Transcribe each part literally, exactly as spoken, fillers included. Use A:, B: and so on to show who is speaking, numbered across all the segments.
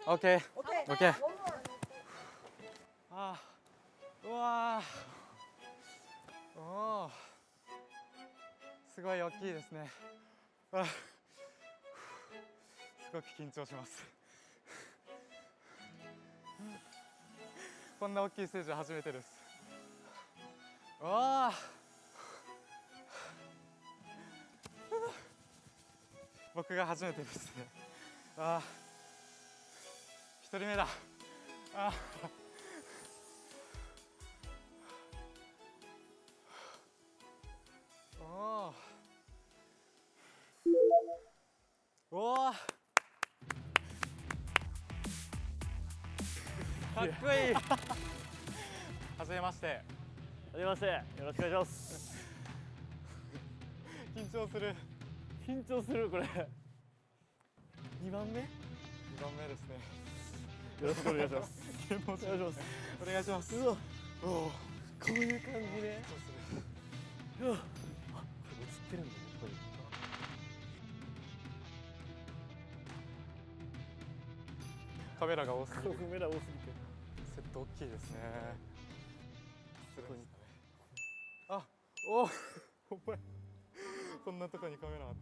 A: オッケーオッケー。あー、うわー、おー、すごい大きいですね。あ、すごく緊張します。こんな大きいステージは初めてです。わー、僕が初めてですね。あー、一人目だ。あー、おー、おー、かっこいい。はじめまして。
B: はじめまして。よろしくお願いします。
A: 緊張する。
B: 緊張するこれ。にばんめ？
A: にばんめですね。
B: よろしくお願いします。
A: お願いします。お願いします。
B: うわ、
A: おお、
B: こういう感じね。うわ、あ、これ映ってるんだね。これ。
A: カメラが多すぎる。
B: カメラ多すぎて。
A: セット大きいですね。すごいですかね。あ、おお、お前。こんなとこにカメラあった。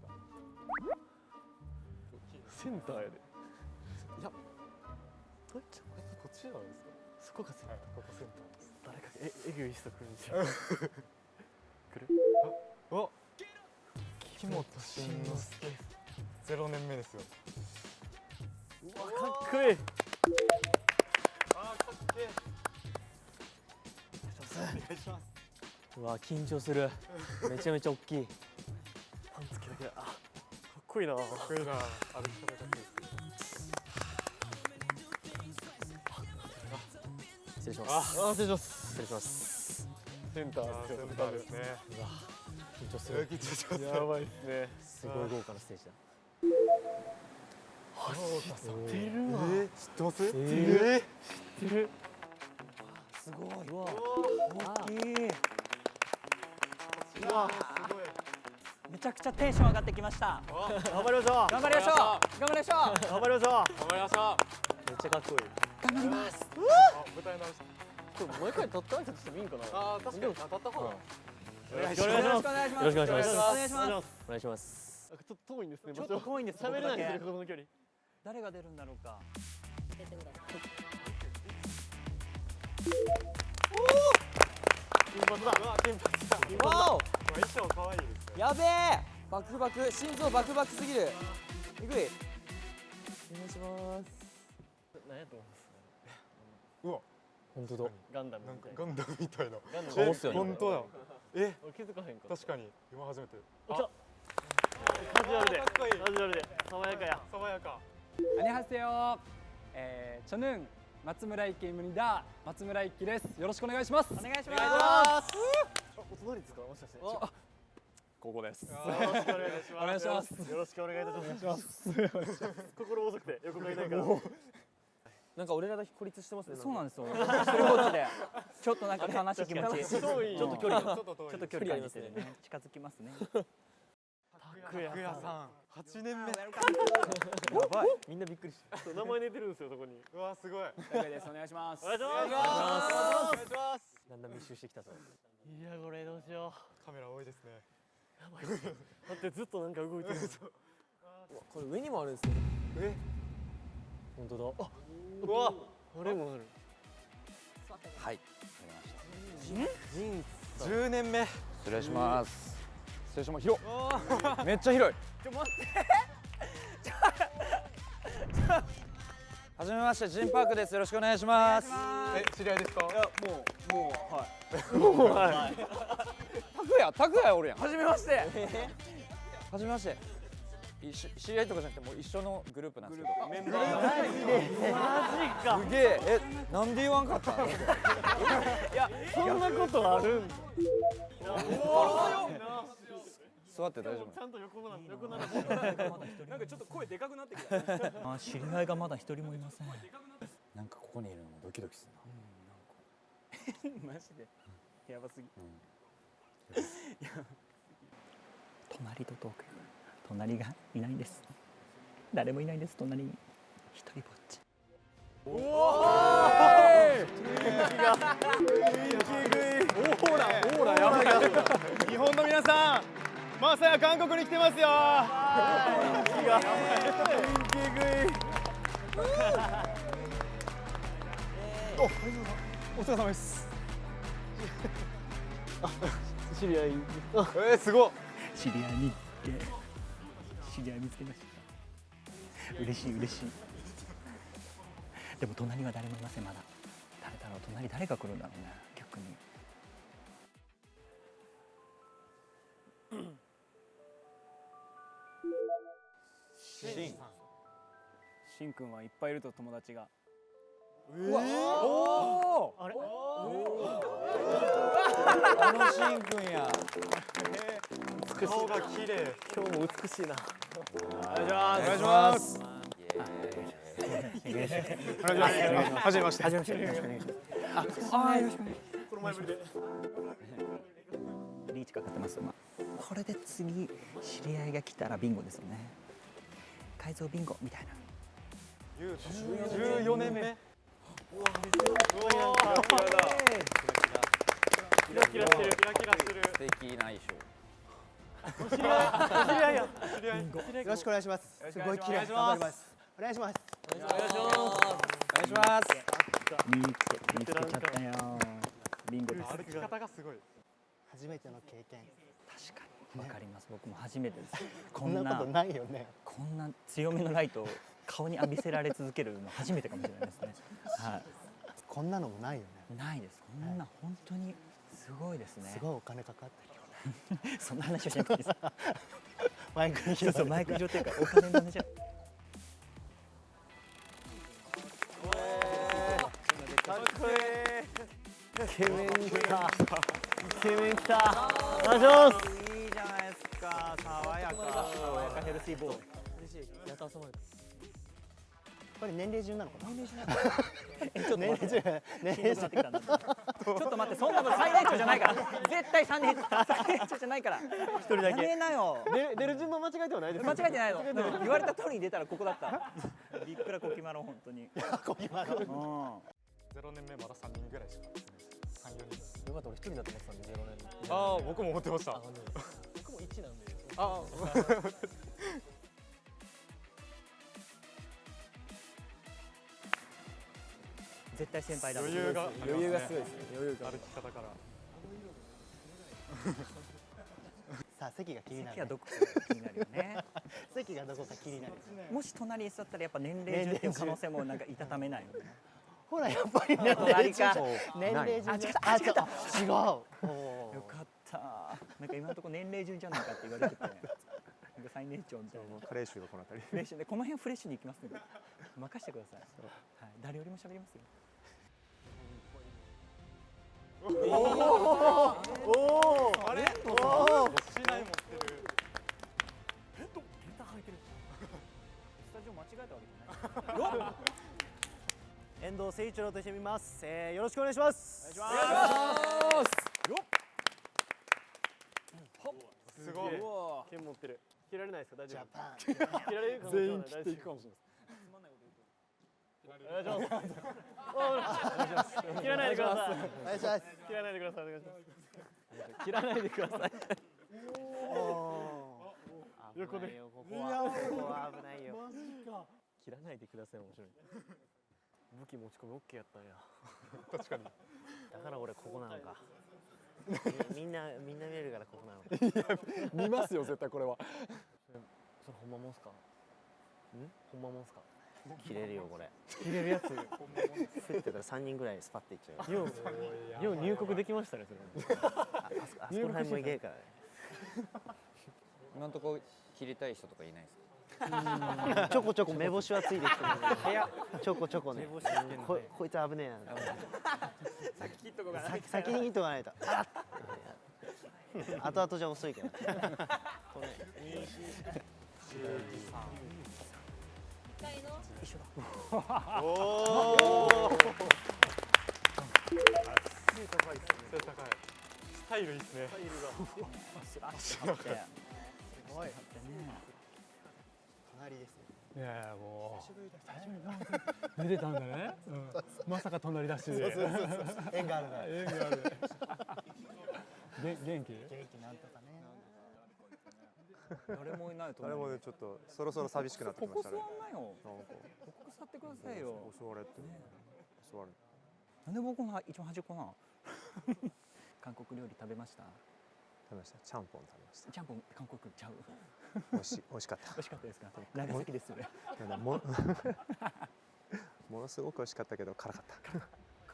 A: 大きいです。
B: センターやで。
A: いや、こっち、こっちじゃないですか。
B: そこがセンター。
A: はい、ここセンターです。
B: 誰かええぐい人来るんじゃん。来る？
A: あ、お、木本慎之介。ゼロねんめですよ。
B: うわ、かっこいい。
A: あー、かっけえ。お願いします。
B: うわ、緊張する。めちゃめちゃ大きい。パンツ着なきゃ。あ、かっこいいな。
A: かっこいいな。歩き方がいいですね。
B: 失礼します。あ、失礼します。失礼します。センター
A: センターですね。
B: うわ、緊張する。
A: 緊張します。
B: やばいですね。すごい豪華なステージだ。あ、知ってるわ。
A: えー、知ってます？
B: え
A: え
B: ー、知ってる。
C: すごい。
B: うわ、
C: 大きい。
A: ー、うわ、すごい。
C: めちゃくちゃテンション上がってきました。
B: 頑張りましょう。
C: 頑張りましょう。頑張りましょう。
B: 頑張りましょう。
A: 頑張りましょう。
B: めっちゃかっこいい。
C: 頑張ります。
A: あ、舞台直し。
B: これ毎回立った挨拶してもいいんかな。
A: あー、確かに当たった方が。
B: お願いします。
C: よろしくお願いします。
B: よろしくお願いします。
C: お願いします。
B: お願いします。ちょっと遠いんですね。
C: ちょっと遠いんです。
B: 喋れないんですね、
C: 僕だけ
B: この距離。
C: 誰が出るんだろうか。
B: 金髪だ。
A: うわ、金髪だ。
C: わお。
A: 衣装可愛いですね。
C: やべえ。バクバク、心臓バクバクすぎる。えぐい。お願いします。
B: 何やと思います。
A: うわ、
B: 本当だ。ガンダム
A: なん
B: みたいな。
A: かガンダムみたいな。
B: ガンダム。
A: え、
B: っすよね。
A: 本当だ。え、
B: 気づかへんか。
A: 確かに今初めて。
B: 来た。カジュアルで。
A: かっこいい。
B: カジュアルで。爽やかや。
A: 爽やか。
D: 안녕하세요. 에, 저는松村一希입니다.松村一希です。よろしくお願いします。
C: お願いし
B: お願いし
C: ま
B: ます。あ、お隣ですか、もしかして。
D: あ、ここです。
B: よろしくお願いします。
D: お願いします
B: よろしくお願いいたします。心細くて横がいないから。なんか俺らだけ孤立してますね。
C: す。そうなんですよ。一人ぼっちで。ちょっとなんか悲しい気持ち。ち
B: 遠い。
C: ょっと距離が。
A: ちょっと遠い。
C: ちょっと距離感じてね。近づきますね。
A: 拓也さん、はちねんめ。
C: やばい。
B: みんなびっくりして。名前出てるんですよ、そこに。
A: うわ、すごい。
D: 高井です。お願いします。
B: お願いします。
A: お願いします。
B: だんだん密集してきたぞ。いや、これどうしよ
A: カメラ多いですね。
B: う。やばい。だってずっとなんか動いてる。
E: これ上にもあるんですよ。
A: え、
B: 本当だ。あ、
A: うわ、
B: あれもある。
C: はい。わかりました。
B: ジーンズ。
A: じゅうねんめ。
E: 失礼します。失礼します。広い。めっちゃ広い。
C: ちょ待って。
E: はじめまして、ジンパークです。よろしくお願いします。
A: え、知り合いですか？
C: いやもうもうはい。
B: もうはい。
E: 拓也、拓也おるやん。
C: はじめまして。
E: はじめまして。一緒知り合いとかじゃなくてもう一緒のグループなんですけど。
B: メンバー。マジか。
E: すげえ。え、なんで言わんかったん？
B: いや、そんなことあるんだ。
E: 座って大丈夫。
B: ちゃんと横な横なら。
D: なんかちょっと声でかくなってきた。
C: あ、知り合いがまだ一人もいません。
E: なんかここにいるのもドキドキするな。
C: マジで。やばすぎ。隣とトーク。隣がいないんです。誰もいないんです。隣に一人ぼっち。
A: 日本の皆さん、まさや韓国に来てますよ。
D: お疲れ様です
B: 知り合い。
A: えー、すごい。
F: 知り合いに行って知り合い見つけました。嬉しい嬉しい。でも隣は誰もいません。まだ誰だろう。隣誰が来るんだろうね。逆に
B: シン。
D: しんくんはいっぱいいると友達が
E: あのしんくんや。
A: 顔が綺麗。
B: 今日も美しいな。
A: お願いします。お願いします。はじめまして。はじめまして。よろしくお願いします。あ、よろしくお願いします。この前ぶりで。
F: リーチかかってます。まあ、これで次知り合いが来たらビンゴですよね。改造ビンゴみたいな。
A: じゅうよねんめ。
B: キラキラしてる。
A: キラキラしてる。
E: 素敵な衣装。
B: お知り合いや。
A: 知り合い。
G: よろしくお願いします。すごい綺麗。頑張ります。お願いします。
B: お願いします。
E: お願いします。
F: 見つけ見つけちゃったよ。ビンゴです。
A: 歩き方がすごい。
G: 初めての経験。
F: 確かにわかります。僕も初めてです。こ
G: こん
F: んな
G: なことないよね。
F: こんな強めのライトを顔に浴びせられ続けるの初めてかもしれないですね。は
G: こんなのもないよね。
F: い。ないです。こんな本当にすごいですね。
G: すごいお金かかってるよ。
F: そんな話をしなくていいです。
G: マイクに
F: そうそうマイク上っていうかお金の話じゃ。
B: イケメン来た。イケメン来た。お願いします。
E: いいじゃないですか。爽やか。
F: 爽やかヘルシーボーイ。
B: 嬉しい。やっと遊ばれた。
G: これ年齢順なのかな。
F: 年齢じゃない。えちょっと
G: 年
F: 待って。
G: 齢順。年齢順
F: 年齢ってきたんだ。ちょっと待ってそんなの最年長じゃないから。絶対三年最年長じゃないから。一人
B: だけ
F: やめなよ。
B: 出る出る順番間違えてはないです。
F: 間違えてないの。でも言われた通りに出たらここだった。びっくらこきまろ本当に。
G: こぎまろ。
F: うん。
A: ゼロねんめまだ三人ぐらいしか住んでない。三四人。
B: よかった、俺一人だと思ってたんで、ゼロ年。
A: ああ、僕も思ってました。
B: あ、僕も一なんで。
A: あ
F: 絶対先輩だ。
A: 余裕が
B: 余裕がすごいですね。余裕が。
A: 歩き方から。
G: さあ席が気になる、ね。
F: 席はどこか気になるよね。
G: 席がどこか気になる。
F: もし隣に座ったらやっぱ年齢順っていう可能性もなんかいたためないよね。
G: ほらやっぱり年齢
F: 隣か
G: 順。年齢順。
F: あ違った
G: あ違った。違う。
F: よかった。なんか今のところ年齢順じゃないかって言われてて、なんか最年長みたいな。
A: カレー臭がこの辺り。
F: フレッシュでこの辺フレッシュに行きますので任してください。はい、誰よりも喋りますよ。
A: おお。あれ？おお。市内持ってる。
F: スタジオ間違えたわけじゃない。
B: 遠藤誠一郎と一緒に見ます。えー、よろしくお願いします。お願いし
D: ます
A: すごい。
B: 剣持ってる。切られないですか、大丈
G: ジャ
B: 夫。
G: パン。
B: 切られるかもしれない。全員切っていくかもしれない。お願いします。切らないでください。
G: お願いします。
B: 切らないでください。お願いします。切らないでください。横で。ここはここは危ないよ。切らないでください。面白い。武器持ち込みオッケーやったんや。
A: 確かに。
B: だから俺ここなのか。みんなみんな見えるからここなのか。
D: 見ますよ絶対これは。
B: それほんまもんすか。ん？ほんまもんすか。切れるよこれ。切れるやつ。ふってたら三人ぐらいスパッていっちゃう。ようよう入国できましたねそれ。ああそこあそこら辺もいけるからね。
E: 今のところ切りたい人とかいないですか。
B: ちょこちょこ目星はついてきてる。ちょこちょこね。ここいつ危ねえな。
F: 先切っとこうかな。
B: 先先に切っとかないと。後々じゃ遅いけど。
A: おお。
B: 背高いですね。
A: 背高い。スタイルいいですね。
B: スタイルが。
F: スラッシュ張って。
G: すごい。
F: ね。
G: かな隣ですね。
A: いやいやもう出てたんだね、うん、まさか隣だしで
G: そうそうそうそう縁があるな
A: 縁があるげ元気
G: 元気なんとかね。
E: 誰もいないと
H: あれもねちょっとそろそろ寂しくなってきましたね。
E: ここ座んなよ。
H: なんか
E: ここ座ってくださいよ。
H: 座れって座る。
E: なんで僕が一番端っこなの？韓国料理食べました？
H: 食べました。ちゃんぽん食べました。
E: ちゃんぽん韓国ちゃう。
H: 美味しい美味しかった
E: 美味しかったですか？長崎ですそれ。
H: なんだもものすごく美味しかったけど辛かった。
G: 同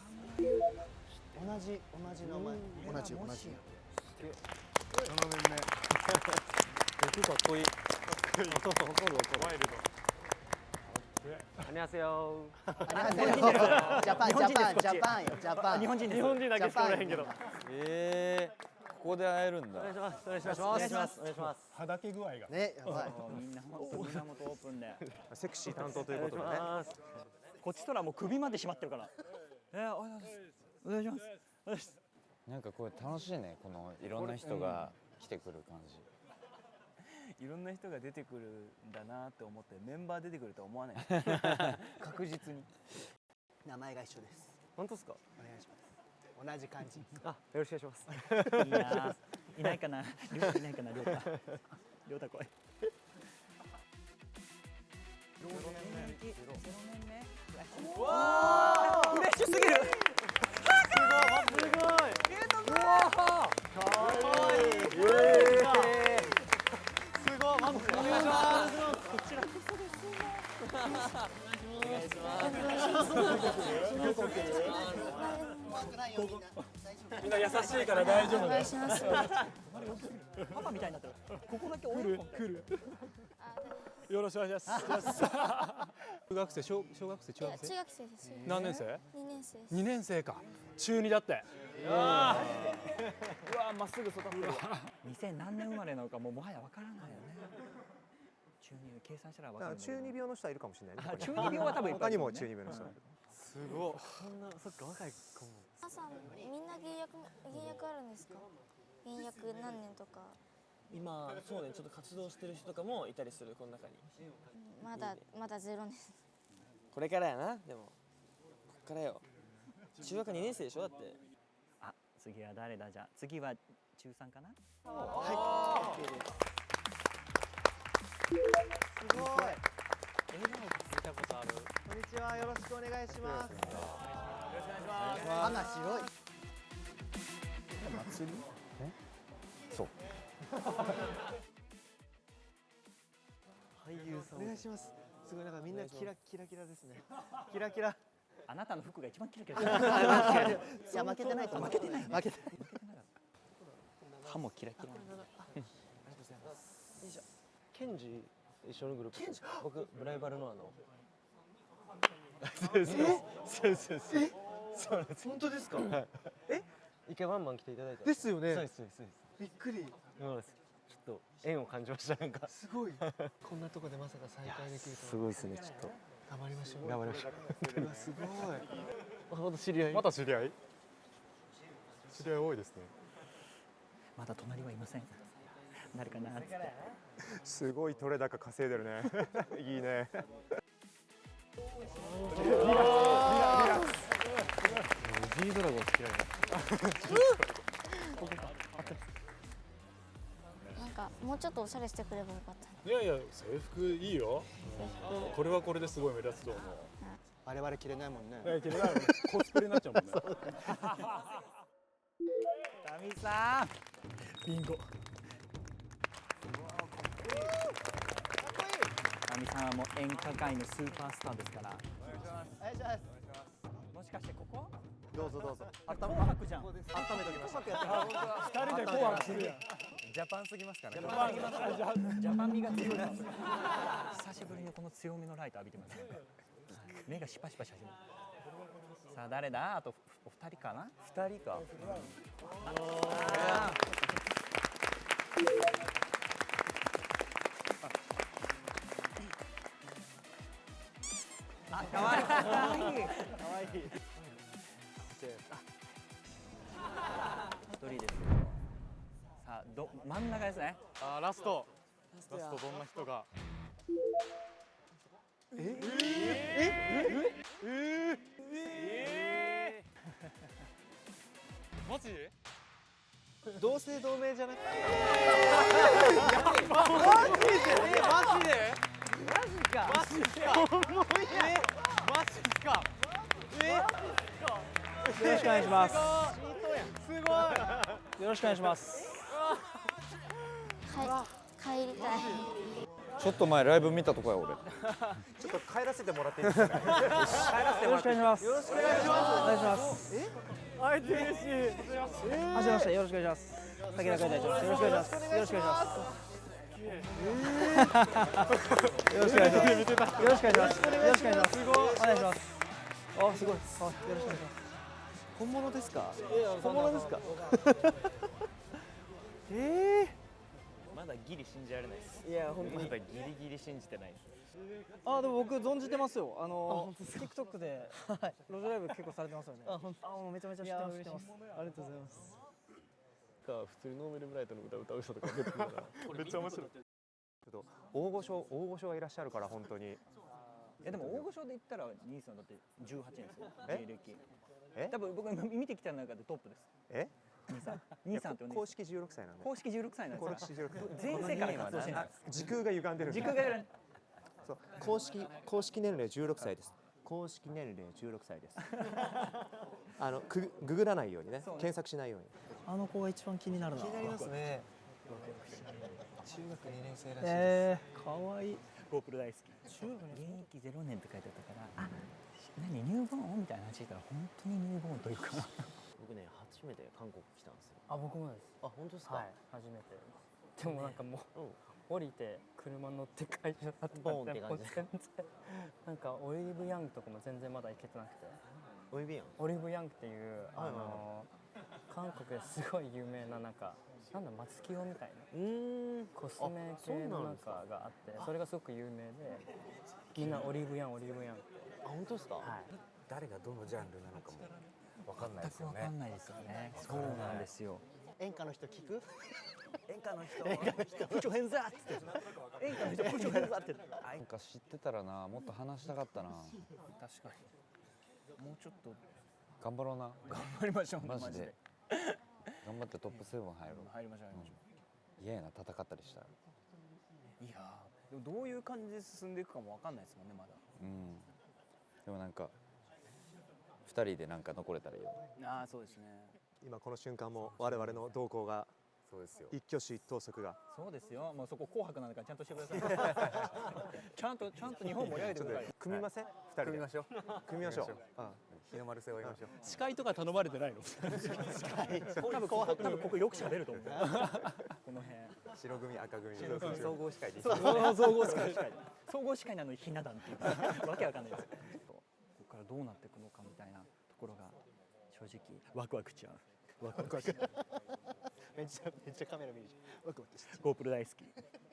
G: じ同じ名前。同じ同じ。
A: ななねんめ
B: 僕かっこいい。そうそう怒る怒る。ワイルド。안녕하세요。
G: ジャパンジャパンジャパンよジャパン。
B: 日本人です。日本人だけしかおらへんけど。
E: ええ、ここで会えるんだ。
B: お願いします。お願いします。お願いします。お願いします。
A: はだけ具合が
G: ねやばい。
E: みんな本当みんなもとオープンで。
H: セクシー担当ということでね。
F: こっちとらもう首まで締まってるから。えー、お願いします。お願いします。お願いします。
E: なんかこれ楽しいね。このいろんな人が来てくる感じ。
F: いろんな人が出てくるんだなって思ってメンバー出てくるとは思わない確実に。
G: 名前が一緒です。
B: 本当ですか？
G: お願いします。同じ感じ。
B: あ、よろしくお願いします。
F: いいな。いないかな。りょうたいないかな。りょうた。りょうた来い。
C: フレッシュすぎる。
B: すごい。
C: うわ
B: かわいい。すごい。まずお願いします。こちらこそです。お願いします。
A: みんな優しいから大丈夫だよ。
F: パパみたいになってる。ここだけ
A: 来る来る。よろしくお願いします。中学生小小学生中学生？
I: 中学生です。
A: 何年生？
I: 二年生です。
A: 二年生か。中二だって。
C: うわまっすぐ育ってる。
F: にせん何年生まれなのかもうもはやわからないよね。中二計算したらわかる。
H: 中二病の人はいるかもしれないね。
F: 中二病は多分いっぱいいるね。
H: 他にも中二病の人がいる。
B: すごい。そんなそっか若い子も。
I: 皆さんみんな現役現役あるんですか？現役何年とか。
B: 今そうねちょっと活動してる人とかもいたりするこの中に。
I: まだまだゼロです。
B: これからやなでも。こっからよ。中学にねん生でしょだって。
F: あ、次は誰だじゃあ次は中三かな。
G: はい。すごい。
B: 笑顔が見たことある。
G: こんにちはよろしくお願いします。
B: よろしくお願いします。
G: 花白い。
H: 祭り？え？そう。
B: 俳優さん。
G: お願いします。すごいなんかみんなキラキラキラですね。キラキラ。
F: あなたの服が一番キラキラ。
G: いや負けてないと負けてない負けてない。
B: 歯もキラキラ。ケンジ一緒のグループ。僕ブライバルのあの。そうそうそうそう。そうです。本当ですか？え？一回ワンマン来ていただいた。
G: ですよね。
B: そうですそうです。
G: びっくり。
B: そうです。ちょっと縁を感じましたなんか。
G: すごい。こんなとこでまさか再会できるとは。
B: すごいですねちょっと。
G: 頑張りましょう。
B: 頑張りましょう。
G: うわすごい。
B: また知り合い。
H: また知り合い？知り合い多いですね。
F: まだ隣はいません。誰かなっつって。
H: すごい取れ高稼いでるね。いいね。
B: G ドラゴン好きなの。
I: なんかもうちょっとおしゃれしてくればよかった。
A: いやいや制服いいよ。これはこれですごい目立つと思う。
G: 我々着れないもんね。
A: いや着れないもんね。コスプレになっちゃうもんね。
F: タミさん。ビンゴ。タミさんはもう演歌界のスーパースターですから。
G: お願いします。お願いします。
F: もしかしてここ？
G: どうぞどうぞ。
F: あ、紅白じゃん。
G: 温めときました。
A: 二人で紅白するやん。
E: ジャパンすぎますからね。
F: ジャパン味が強い。久しぶりにこの強めのライト浴びてますね。目がシパシパし始める。さあ誰だ？あとお二人かな？
E: 二人か。
F: あ、可愛い。可愛い。可愛い。一人です。さあど真ん中ですね。
A: あラスト。ラストどんな人が。
D: マジで
A: 同姓同名じゃない？
C: マジでマジで
A: マジか。マジか。え、マジっすか。え、
F: よろしくお願いします。
A: すごい。
F: よろしくお願いします。
I: か帰りたい。
E: ちょっと前ライブ見たとこや俺。
H: ちょっと帰らせてもらっていいですかね。
F: よろしくお願いします。よろしくお願いします。お願いします。
A: 会えて嬉しい。
F: はじめまして、よろしくお願いします。武田海隊長です。よろしくお願いします。よろしくお願いします。よろしくお願いします。よろしくお願いします。よろしくお願いします。お願いします。あ、すごい。あ、よろしくお願いします。
A: 本物ですか？本物ですか？ええ。
B: まだギリ信じられないです。
F: いや、本当に。
B: まだギリギリ信じてないです。
F: あ、でも僕存じてますよ。あの TikTok で路上ライブ結構されてますよね。あ、本当。あ、もうめちゃめちゃ知ってます。知ってます。ありがとうございます。
B: か普通にノーベルブライトの歌歌う人とか出てくるから
H: めっちゃ面白い。大御所大御所がいらっしゃるから本当に。
F: いやでも大御所で言ったら兄さんだってじゅうはちねんですよ。
H: え
F: 芸歴。
H: え？
F: 多分僕見てきた中でトップです。
H: え？
F: 兄さん。兄さんってお姉さん。
H: 公式じゅうろくさいなんで。
F: 公式じゅうろくさいなんですか。
H: 公式じゅうろくさい。
F: 全世界活動してない。
H: 時空が歪んでるんで。
F: 時空がやらない。
H: そう公式公式年齢じゅうろくさいです。公式年齢じゅうろくさいです。あのくググらないようにね、検索しないように。
F: あの子が一番気になるな。
A: 気になりますね。中学にねん生らしいです。
F: ええ、可愛い。ゴープロ大好き。中学現役ゼロねんって書いてあったから、あ、何ニューボーンみたいな話聞いたら本当にニューボーンというか。
B: 僕ね初めて韓国来たんですよ。
C: あ、僕もです。
B: あ、本当ですか？
C: はい、初めて。でもなんかもう、降りて車乗って会社だったんで、
B: ボーンって感じ
C: もう全然なんかオリーブヤングとかも全然まだ行けてなくて。
B: オリビアン。
C: オリーブヤングっていうあの韓国ですごい有名ななんかなんだ松清みたいな
B: うーん。
C: コスメ系のなんかがあってそれがすごく有名でみんなオリーブヤンオリーブヤン。
B: あ、本当ですか？
C: はい。
J: 誰がどのジャンルなのかもわかんないですよね。
F: わかんないですよね。そうなんですよ。
G: 演歌の人聞く？
F: 演歌の人。演歌の人。プチョヘンザーって。演歌の人プチョヘンザーって。
E: なんか知ってたらな、もっと話したかったな。
F: 確かに。もうちょっと
E: 頑張ろうな。
F: 頑張りましょう。
E: マジで。頑張ってトップセブン入ろう。
F: 入りましょう。入りましょ
E: う。嫌やな、戦ったりしたら。
F: いやー、でもどういう感じで進んでいくかもわかんないですもんね、まだ。
E: うん。でもなんか二人でなんか残れたらいいよ。
F: ああ、そうですね。
H: 今この瞬間も我々の動向が
J: そうですよ。
H: 一挙手一投足が。
F: そうですよ。もうそこ紅白なんだからちゃんとしてください。ちゃんとちゃんと日本盛り上げてください。
H: 組みません？二人で。
J: 組みましょう。
H: 組みましょう。あ
J: 日の丸背負いましょう。
F: 司会とか頼まれてないの？司会。多分ここ多分ここよく喋ると思う。この辺。
J: 白組赤組総合司会で。
F: 総合司会。総合司会なのにひな壇っていうわけわかんないです。ここからどうなっていくのかみたいなところが正直ワクワクしちゃう。ワクワクしちゃう。
G: めっちゃめっちゃカメラ見るじゃん。ワクワクして。
F: ゴープロ大好き。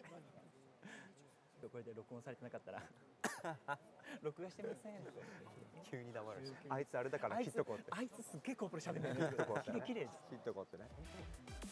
F: これで録音されてなかったら録画してません。
H: 急に黙る。あいつあれだから切っとこうって。
F: あいつすっげえゴープロ喋ってるんですよ。綺麗です。
H: 切っとこうってね。